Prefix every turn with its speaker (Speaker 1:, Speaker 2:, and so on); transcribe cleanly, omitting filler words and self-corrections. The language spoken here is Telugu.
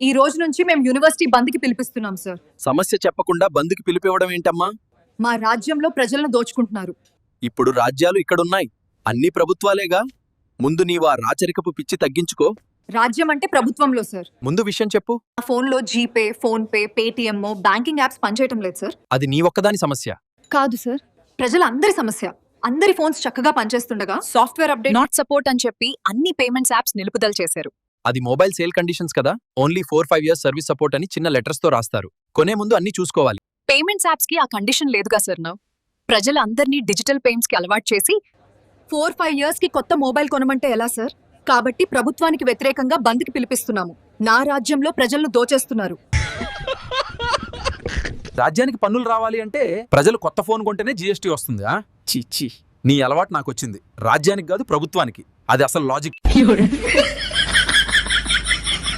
Speaker 1: ఈ రోజు నుంచి మేము యూనివర్సిటీ బంద్కి పిలిపిస్తున్నాం సార్.
Speaker 2: సమస్య చెప్పకుండా బంద్కి పిలిపివ్వడం ఏంటమ్మా?
Speaker 1: మా రాజ్యంలో ప్రజలను దోచుకుంటున్నారు.
Speaker 2: ఇప్పుడు రాజ్యాలు ఇక్కడున్నాయి, అన్ని ప్రభుత్వాలేగా. ముందు నీవా రాచరికపు పిచ్చి తగ్గించుకో.
Speaker 1: రాజ్యం అంటే ప్రభుత్వంలో సార్.
Speaker 2: ముందు విషయం చెప్పు.
Speaker 1: నా ఫోన్లో GPay, PhonePe, Paytm, banking apps పనిచేయటం లేదు సార్.
Speaker 2: అది నీ ఒక్కదాని సమస్య
Speaker 1: కాదు సార్, ప్రజలందరి సమస్య. అందరి ఫోన్స్ చక్కగా పనిచేస్తుండగా సాఫ్ట్వేర్ అప్డేట్
Speaker 3: నాట్ సపోర్ట్ అని చెప్పి అన్ని పేమెంట్స్ యాప్స్ నిలుపుదల చేశారు.
Speaker 2: అది మొబైల్ సేల్ కండిషన్స్ కదా. ఓన్లీ 4-5 years సర్వీస్ సపోర్ట్ అని చిన్న లెటర్స్ తో రాస్తారు. కొనే ముందు అన్ని చూసుకోవాలి.
Speaker 3: పేమెంట్స్ యాప్స్ కి ఆ కండిషన్ లేదుగా సార్. నౌ ప్రజలందరినీ డిజిటల్ పేమెంట్స్ కి అలవాటు చేసి
Speaker 1: 4-5 years కి కొత్త మొబైల్ కొనమంటే ఎలా సార్? కాబట్టి ప్రభుత్వానికి వ్యతిరేకంగా బంద్కి పిలిపిస్తున్నాము. నా రాజ్యంలో ప్రజలను దోచేస్తున్నారు.
Speaker 4: రాజ్యానికి పన్నులు రావాలి అంటే ప్రజలు కొత్త ఫోన్ కొంటేనే జీఎస్టీ వస్తుంది. చీ, నీ అలవాటు నాకు వచ్చింది. రాజ్యానికి కాదు ప్రభుత్వానికి. అది అసలు లాజిక్.